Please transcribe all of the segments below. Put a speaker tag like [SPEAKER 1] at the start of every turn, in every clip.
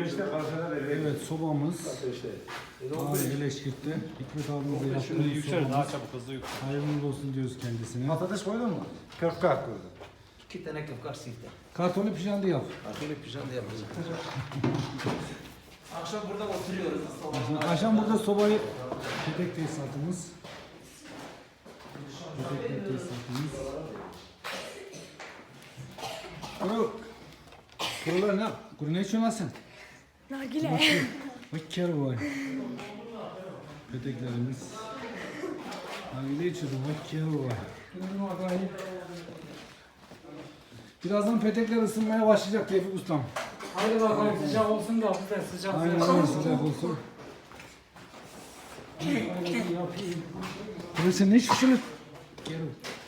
[SPEAKER 1] 15'te parçada veriyor.
[SPEAKER 2] Evet, sobamız. Abi Eleşkirt'te Hikmet abimize yaptığımız sobamız.
[SPEAKER 3] çabuk hızlı yüksel.
[SPEAKER 2] Hayırlı olsun diyoruz kendisine.
[SPEAKER 1] Patates koydun mu? Köfte koydum.
[SPEAKER 4] 2 tane köfkar sifte.
[SPEAKER 2] Kartonu pijandi yap.
[SPEAKER 4] Arkayla pijama yapacağız. Akşam burada oturuyoruz.
[SPEAKER 2] Akşam burada sobayı petek tesisatımız. Petek tesisatımız. Kurular ne? Kuru ne içiyorsun lan sen?
[SPEAKER 5] Nargile.
[SPEAKER 2] Bak kere var. Peteklerimiz. Nargile içiyordum. Bak kere var. Birazdan petekler ısınmaya başlayacak Tevfik Ustam.
[SPEAKER 6] Hadi bakalım sıcak olsun da bize sıcak
[SPEAKER 2] Aynen öyle sıcak olsun. Burası sen ne şişilir? Gel.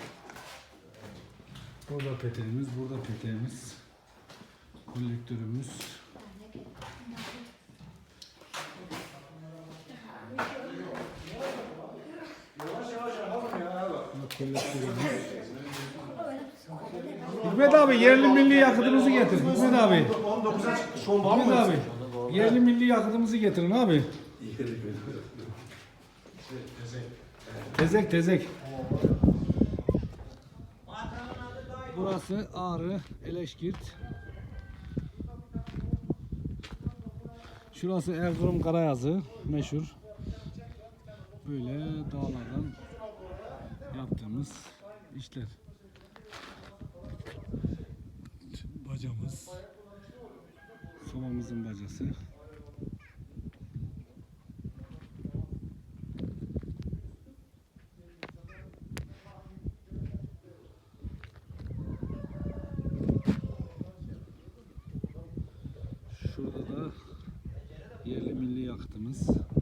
[SPEAKER 2] Burada peteğimiz, burada peteğimiz. Kolektörümüz. Kolektörümüz. Hikmet abi yerli milli yakıtımızı getir. Hikmet abi.
[SPEAKER 1] 19'a çıktı. Şu an var
[SPEAKER 2] Hikmet
[SPEAKER 1] mı?
[SPEAKER 2] abi. Yerli milli yakıtımızı getirin abi. Tezek tezek. Burası Ağrı, Eleşkirt. Şurası Erzurum Karayazı, meşhur. Böyle dağlardan yaptığımız işler. Bacamız. Sobamızın bacası. Şurada da yerli milli yakıtımız.